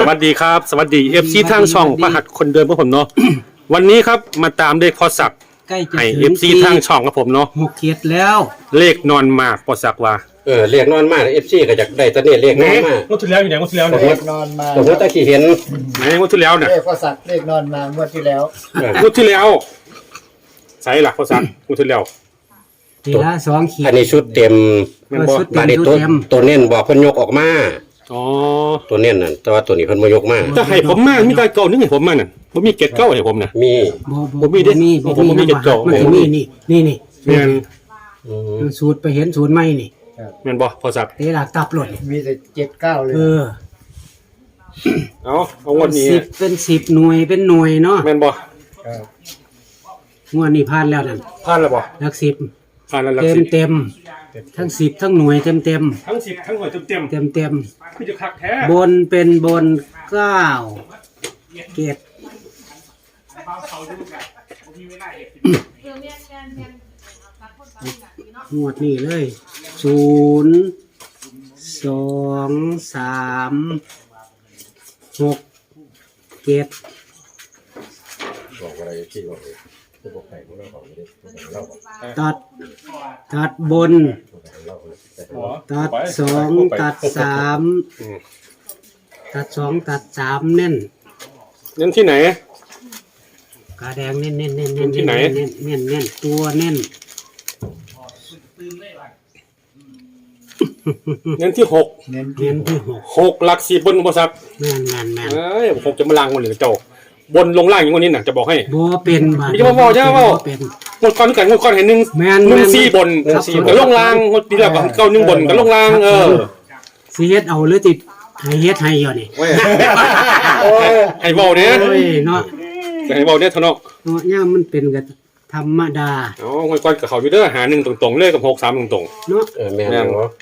วัสดีครับสวัสดีFC ทางช่องพระหัตถ์คนเดิมของผมเนาะ วันนี้ครับมาตามเลขพอสักใกล้จะให้ถึง FC ทางช่องกับผมเนาะ 6 เขตแล้วเลขนอนมากพอสักว่าเรียกนอนมากFC ก็อยากได้ตอนนี้เรียกนอนมากงวดที่แล้วอยู่ไหนงวดที่แล้วสมเนี่ยมตินอนมาสมมติตะกี้เห็นไหนงวดที่แล้วเนี่ยเลขพอสักเลขนอนมางวดที่แล้วงวดที่แล้วใส่หลักพอสักงวดที่แล้วทีละ2 ขีดอันนี้ชุดเต็มแม่นบ่ชุดบาดนี้ตัวเน้นบอกเพิ่นยกออกมาอ๋อตัวเน้นนั่นแต่ว่าตัวนี้เพิ่นบ่ยกมาถ้าให้ผมมามีการเก่านึงให้ผมมาน่ะบ่มีเกตเก่าให้ผมน่ะมีบ่มีเด้ ผมบ่มีเจ็ดเก้ามันสิมีนี่แม่นสูตรไปเห็นสูตรใหม่นี่แม่นบ่พอสักเตะหลักตับหล่นมีแต่79เลยเอางวดนี้ 10เป็น10หน่วยเป็นหน่วยเนาะแม่นบ่ครับงวดนี้ผ่านแล้วนั่นผ่านแล้วบ่หลัก10 ผ่านแล้วหลักเต็มสิบเต็มทั้ง10ทั้งหน่วยเต็มเต็มทั้ง10ทั้งหน่วยเต็มเต็มเต็มๆคือจะคักแท้บนเป็นบน9เกตงวดนี้เลย0 2 3 6 7 บอกอะไรที่บอกผู้ปกครองของเราบอกไม่ได้เราบอกตัดบน ตัด2 ตัด 3 ตัด2 ตัด 3 เน่นนั่นที่ไหนกาแดงเน่นเน่นเน่นที่ไหนเน่นเน่นเน่นตัวเน่นนั่นที่หกเน้นเน่นที่หกหลัก10บนอุปสรรค 6แม่นเอ้ยผมจะมาล้างมันเลยเจ้าบนลงล่างอย่างวันนี้น่ะจะบอกให้บ่เป็นบาดมีจะมาบอกใช่ไหมว่าบ่เป็นงวดก่อนกันงวดก่อนเห็นหนึ่งแม่นหนึ่งแม่นสี่บนครับกับลงล่างงวดปีแล้วกับเก้าหนึ่งบนกับลงล่างสิเฮ็ดเอาหรือติดให้เฮ็ดให้อยู่นี่เว้ยให้เบาเนี่ยโอ้ยเนาะให้เบาเนี่ยเท่านั้นเนาะย่ามมันเป็นก็ธรรมดาอ๋องวดก่อนกับเขาอยู่เด้อหาหนึ่งตรงๆเลยกับ6 3ตรงเนาะแม่นเนาะ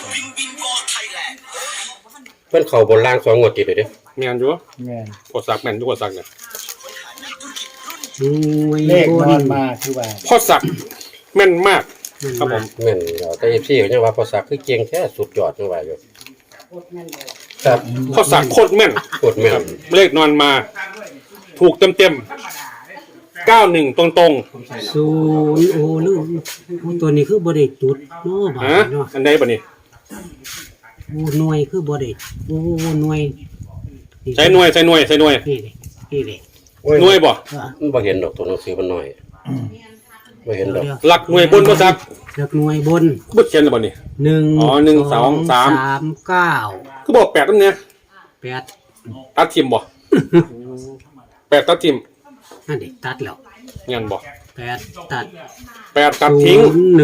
เพิ่นเข้าบนล่าง2งวดติดเลยเด้ๆแม่นอยู่แม่นกดสักแม่นอยู่กดสักเนี่ยหน่วยเลขบนอนมาคือว่าพอสักแม่นมากครับผมแม่นแล้วแต่ FC ก็ยังว่าพอสักคือเก่งแท้สุดยอดจังว่าอยู่ครับพอสักโคตรแม่นกดแม่นเลขนอนมาถูกเต็มๆ91ตรงศูนย์โอ้ลืมโอ้ตัวนี้คือบ่ได้จุดเนาะบาๆฮะดเนาะอันใดบ่นี่โอ้หน่วยคือบ่ได้โอ้หน่วยใช้หน่วยนี่ดิหน่วยบ่มันบ่เห็นดอกตัวหนังสือมันน้อยบ่เห็นดอกหลักหน่วยบนพอสักหลักหน่วยบนบ่เขียนแล้วบ่นี่ 1 อ๋อ1 2 3 9 คือบอก8นำเนี่ย 8 ตัดทิมบ่8ตัดทิมนั่นดิตัดแล้วงั้นบ่ 8ตัด 8ตัดทิ้ง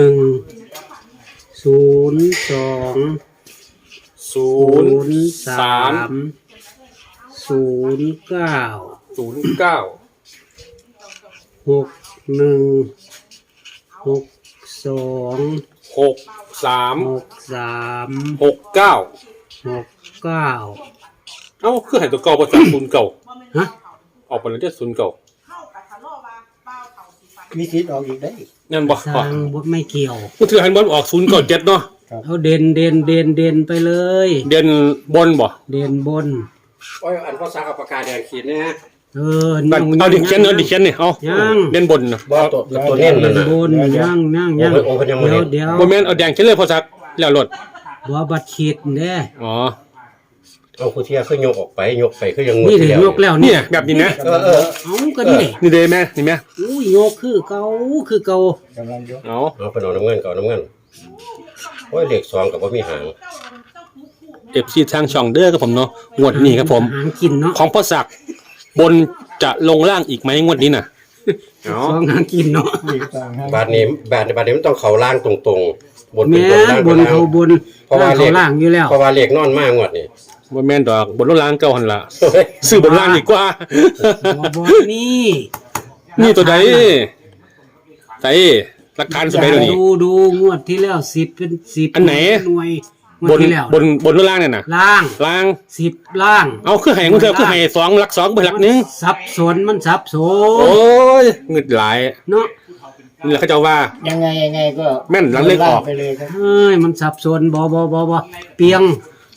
01 02 03 09 09 61 62 63 63 69 69 เอ้าคือให้ตัวเก่าบ่จาก09 ฮะออกไปแล้วเด้อ09 มีสิทธิ์ออกอีกได้งั้นบ่สร้างบ่ไม่เกี่ยวกูถือให้บอลออก097เนาะเอาเด่นไปเลยเด่นบนบ่เด่นบนโอ้ยอันภาษาเอาปากกาแดงขีดนะฮะเอาดิเขียนเอาดิเขียนนี่เอายังเด่นบนน่ะบ่ตัวเน้นนั่นเด่นน่ะบนยังโอ้ยเพิ่นยังบ่เด่นเดี๋ยวบ่แม่นเอาแดงเขียนเลยพอสักแล้วรถบ่บัดขีดเด้อ๋อเอาผู้เที่ยคือยกออกไปยกไปคือยังนี่เด้ยกแล้วเนี่ยแบบนี้นะเออเอาก็นี่เด้นี่เด้แม่นี่แม่อุ้ยยกคือเก่ากำลังยกเอาเอาไปเอาน้ำเงินก่อนน้ำเงินโอ้ยเลข2ก็บ่มีหาง FC ทางช่องเด้อครับผมเนาะงวดนี้ครับผมหางกินเนาะของพ่อศักดิ์บนจะลงล่างอีกไหมงวดนี้น่ะเอาสองหางกินเนาะอีกต่างหากบาดนี้มันต้องเข้าล่างตรงๆบนเป็นแม่บนล่างบเป็นนล่างเขาบนเพราะว่าเขาล่างอยู่แล้วเพราะว่าเลขนอนมากงวดนี่บ่แม่นดอกบนลงล่างเก่าหั่นล่ะซื้อบนล่างดีกว่าบ่นี่นี่ตัวใดใส่หลักฐานสุดใดตัวนี้ดูงวดที่แล้ว10เป็น10 อันไหนหน่วยงบวดนที่แล้วบนลงล่างเนี่ยน่ะล่างล่าง 10ล่างเอาคือให้มึงเถอะคือให้2หลัก2ไปหลักหนึงสับสนมันสับสโอ้นยเงึดหลายเนาะนี่แหละเขาเจ้าว่ายังไงก็แม่นหลังเลขออกไปเลยครับเอ้ยมันสับสนบ่เปียง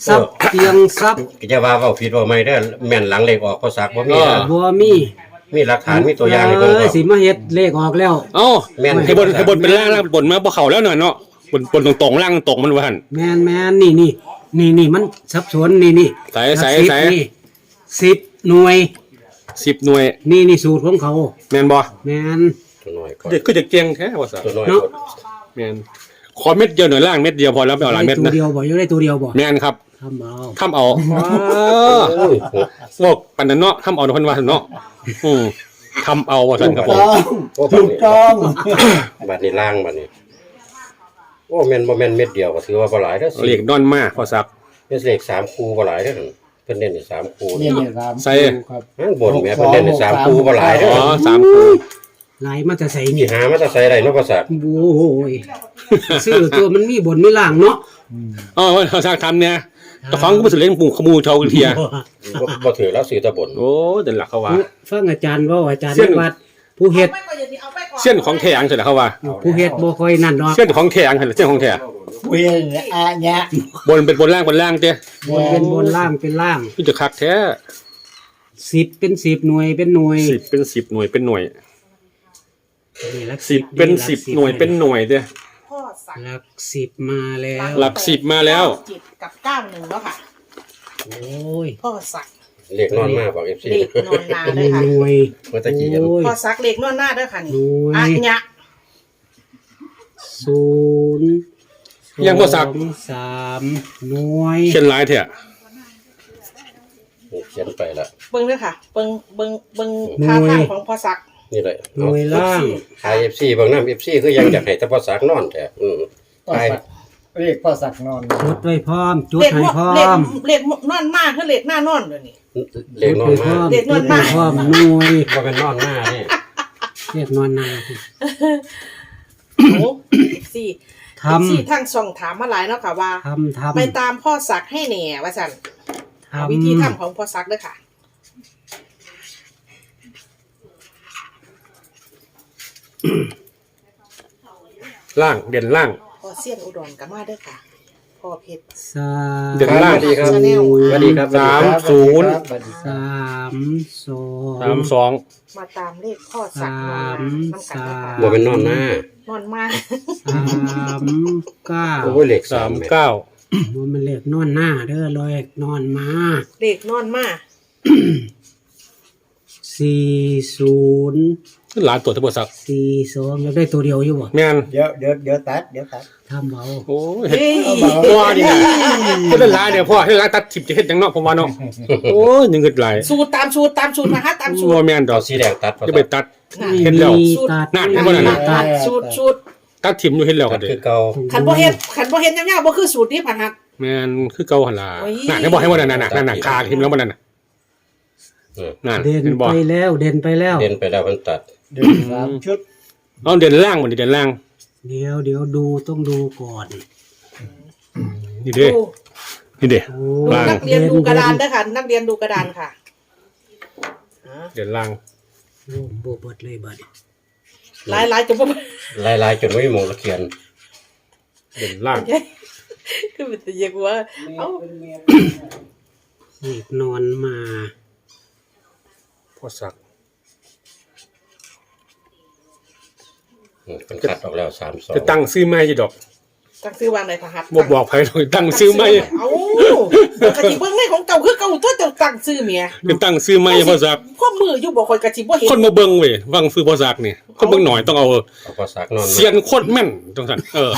ซับเตียงซับก็จะว่าเว้าผิดว่าไม่ได้อแม่นหลังเลขออกพอสักบ่มีนะบัวมีมีหลักฐานมีตัวอย่างให้เบิ่งครับสิมาเฮ็ดเลขออกแล้วเอ้าแม่นให้บนเป็นล่างล่างบนมาบ่เข้าแล้วหน่อยเนาะบนตรงๆล่างตรงมันว่าหั่นแม่นนี่มันสับสนนี่ใส่นี่10หน่วย 10หน่วยนี่สูตรของเขาแม่นบ่แม่นตัวน้อยก่อนเด็กก็จะเก่งแท้ว่าซะตัวน้อยเนาะก่อนแม่นขอเม็ดเดียวหน่อยล่างเม็ดเดียวพอแล้วไม่เอาหลายเม็ดตัวนะเดียวบ่อยู่ได้ตัวเดียวบ่แม่นครับทำเอาทำเอาโอ้ยบอกปันนั้นเนาะทำเอาเพิ่นว่าเนาะทำเอาว่าซั่นครับผมถูกต้องบัดนี้ล่างบัดนี้โอ้แม่นบ่แม่นเม็ดเดียวก็ถือว่าบ่หลายเด้อเลขนอนมาพอสักเป็นเลข3คู่บ่หลายเด้อหั่นเพิ่นเน้นให้3คู่เนี่ยเนี่ยครับใส่ครับนั่นบนแม่เพิ่นเน้นให้3คู่บ่หลายเด้อ๋ออ3คู่ไหลมาจะใส่สินี่หามาแต่ใส่ได้เนาะภาษาโอ้ยซื้อตัวมันมีบนมีล่างเนาะอ๋อพอสักทำเนี่ยเจ้าของก็บ่สิเล่นปู่ขมูเชาเทียบ่ถือแล้วซื้อแตะบนโอ้เดินหลักเขาว่าฟังอาจารย์เว่าอาจารย์เส้นวัดผู้เฮ็ดเส้นของแท้อังเสร็จแล้วเขาว่าผู้เฮ็ดบ่ค่อยนั่นดอกเส้นของแท้อังเสร็จเส้นของแท้เวียนอะเนี่ยบนเป็นบนล่างเจ้บนเป็นบนล่างเป็นล่างนี่จะคักแท้ 10เป็น10หน่วยเป็นหน่วย 10เป็น10หน่วยเป็นหน่วยนี่หลัก 10เป็น10หน่วยเป็นหน่วยเด้พ่อสักหลัก10มาแล้วหลัก10มาแล้วจิตกับ91แล้วค่ะโอ้ยพ่อสักเลขนอนมาบอก FC เด็กนอนนาเป็นด้วยค่ะหน่วยเมื่อตะกี้ยังโอ้ยพ่อสักเล็กนอนหน้าด้วยค่ะนี่หน่วยอ่ะเนี่ย 0 ยังบ่สัก 3หน่วยเช่นหลายแท้เขียนไปละเบิ้งด้วยค่ะเบิ้งท่าทางของพ่อสักนี่แหละหน่วยล่างไอ FC บางน้ำ FC คือยังอยากให้แต่ภาษานอนแท้พ่อไปสักเรียกพ่อสักนอนจดไว้พร้อมจดเล็กให้พร้อเล็กมเล็กนอนหน้าคือเล็กหน้านอนเลยนี่เลขนอนมาเลขนอนมาจดไว้พร้อมหน่วยบ่เป็นนอนหน้านี่เรียกนอนนาโอ้สี่ทำสี่ทั้งช่องถามมาหลายเนาะค่ะว่าทำไปตามพ่อสักให้แหน่ว่าสั่นเอาวิธีทำของพ่อสักด้วยค่ะล่างเด่นล่างพ่อเสี้ยนอุดรกับมาด้วยค่ะพ่อเพชรสาเดี๋ยวสวัสดีครับชาแนลสวัสดีครับสามสวัสดีครับศูนย์สามสอง 32 มาตามเลขพ่อสักนอนน้ำกันด้วยค่ะบ่เป็นนอนหน้านอนมาก 39 โอ้ยเลข3 39 ว่ามันเลขนอนหน้าเด้อลอยนอนมาเด็กนอนมาก 40 หลานตัวทบสัก 42แล้วได้ตัวเดียวอยู่บ่แม่นเดี๋ยวตัดทำเอาโอ้ยเฮ้ยพ่อนี่นะคนละหลายเนี่ยพ่อให้หลานตัดทิพย์จะเฮ็ดจังเนาะผมว่าเนาะโอ้ยยังเกิดหลายสูตรตามสูตรมาฮะตามสูตบ่รแม่นดอเอากสีแดงตัดภาจะษาไปตัดนี่เห็นแล้วมีตัดนั่นเห็นบ่นั่นน่ะตัดสูตรตัดทิมอยู่เฮ็ดแล้วตัก็ดได้คือเก่าขันบ่เฮ็ดยาวๆบ่คือสูตรนี้ผ่านฮักแม่นคือเก่าหั่นล่ะโอ้ยนั่นให้บ่ให้บ่นั่นน่ะนั่นน่ะคาทิมแล้วบ่นั่นน่ะเออนั่นเด่นเห็นบ่ไปแล้วเด่นไปแล้วเด่นไปแล้วมันตัดเดี๋ยว3 ชุดเอาเด่นล่างบ่นี่เด่นล่างเดี๋ยวดูต้องดูก่อนนี่เด้ดูนี่เด้โอ้ล่างนักเรียนดูกระดานเด้อค่ะนักเรียนดูกระดานค่ะเด่นล่างโอ้บ่เบิดเลยบัดนี้หลายๆจะบ่ลายๆจนไม่มีหมองละเขียนเด่นล่างคือมันจะเรียกว่าเอ้าเลขนอนมาพ่อสักมันคัดออกแล้ว32 จะตั้งซื้อใหม่อยู่ดอกตั้งซื้อวางได้ผ่านฮักบ่บอกไผหรอกตั้งซื้อใหม่เอ้าก็สิเบิ่งในของเก่าคือเก่าตัวเจ้าตั้งซื้อเมียจะตั้งซื้อใหม่พ่อสักความมืออยู่บ่ค่อยก็สิบ่เห็นคนมาเบิ่งเว้ยวังซื้อพ่อสักนี่คนเบิ่งหน่อยต้องเอาเอาภาษานอนเสียนโคตรแม่นจังซั่น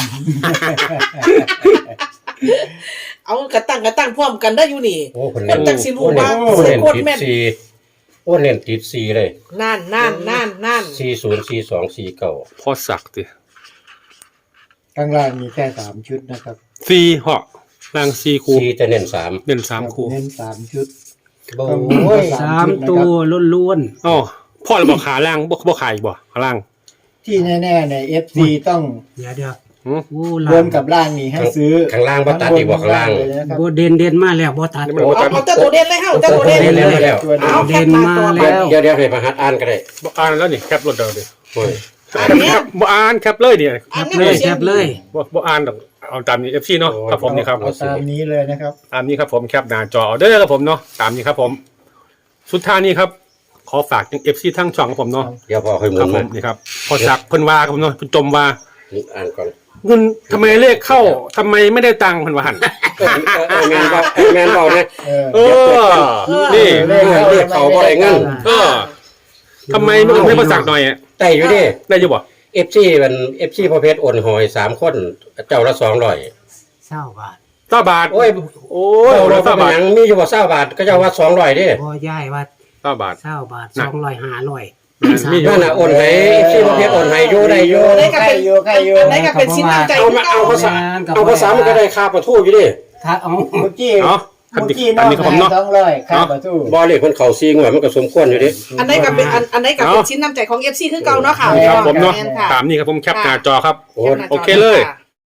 เอากระตั้งพร้อมกันได้อยู่นี่โอ้คนมัเล่นนจังสิรู้ว่าโอ้เสีเล่ยนโคตรติดแม่น 4โอ้เล่นติด4เลยนั่น 404249 พ่อสักติข้างล่างมีแค่3 ชุดนะครับ 4เหาะล่าง4คู่ 4จะเน้น3 เด่น3คู่เน้น3 ชุดโอ้โอ้ยย 3ตัวล้วนอ๋อพ่อเราบอกขาล่างบ่ขายบ่ขาล่างที่แน่ๆใน FC ต้องๆเดี๋ยวหือโอ้บนกับล่างนี่ให้ซื้อข้างล่างบ่ตัดอีกบ่ข้างล่างเลยนะครับบ่เด่นมาแล้วบ่ตัดนี่มันเอาเจ้าตัวเด่นเลยเฮาเจ้าตัวเด่นเด่นมาแล้วตัวเดียเอาวแคปมาตัวเด่นมาแล้วเดี๋ยวให้ประหัดอ่านก็ได้บ่อ่านแล้วนี่แคปรถเดียวดิโอ้ยแคปบ่อ่านแคปเลยเนี่ยแคปเลยบ่อ่านดอกเอาตามนี้ FC เนาะครับผมนี่ครับเอาตามนี้เลยนะครับตามนี้ครับผมแคปหน้าจอเอาเด้อครับผมเนาะตามนี้ครับผมสุดท้ายนี้ครับขอฝากถึง FC ทั้งช่องครับผมเนาะเดี๋ยวพอค่อยหมุครับนผมามนี่ครับพอสักเพิ่นว่าครับผมเนาะเพิ่นจมว่าอ่านก่อนเงินทำไมเลขเข้าทำไมไม่ได้ตังค์เพิ่นว่าหั่นแมนบอกแมนบอกนะเออนี่เรียกเขาบ่ได้เงินทำไมไม่ให้มาสักหน่อยอะได้อยู่ดิได้อยู่บ่ FC มัน FC ประเภทโอนหอย3คนเจ้าละ200 เศร้าบาท 9 บาทโอ้ยโอ้ยเจ้าละ 9 บาทหยังมีอยู่บ่20บาทก็เจ้าว่า200ดิพ่อย่ายว่า 9 บาทเศร้าบาทน่ะ 200 มีอยู่นั่นน่ะโอนให้ FC ประเภทโอนให้อยู่ได้อยู่อันไหนก็ใครเป็นอยู่ใครอยู่อันไหนก็เป็นชิ้นน้ำใจเอามาเอาภาษาเอาภาษามันก็ได้ค่าประทูอยู่ดิถ้าเอาเมื่อกี้เนาะคันเมื่อนี้กี้อัน้นองนี้ครับผมให้เนาะ 200ค่าประตูบ่เลขมันเข้า4งวดมันก็สมควรอยู่ดิอันไหนก็เป็นอันไหนก็เป็นชิ้นน้ำใจของ FC คือเก่าเนาะค่ะครับผมเนาะแม่ค่ะตามนี้ครับผมแคปหน้าจอครับโอ้แคปหน้าจโอเคเลยค่ะ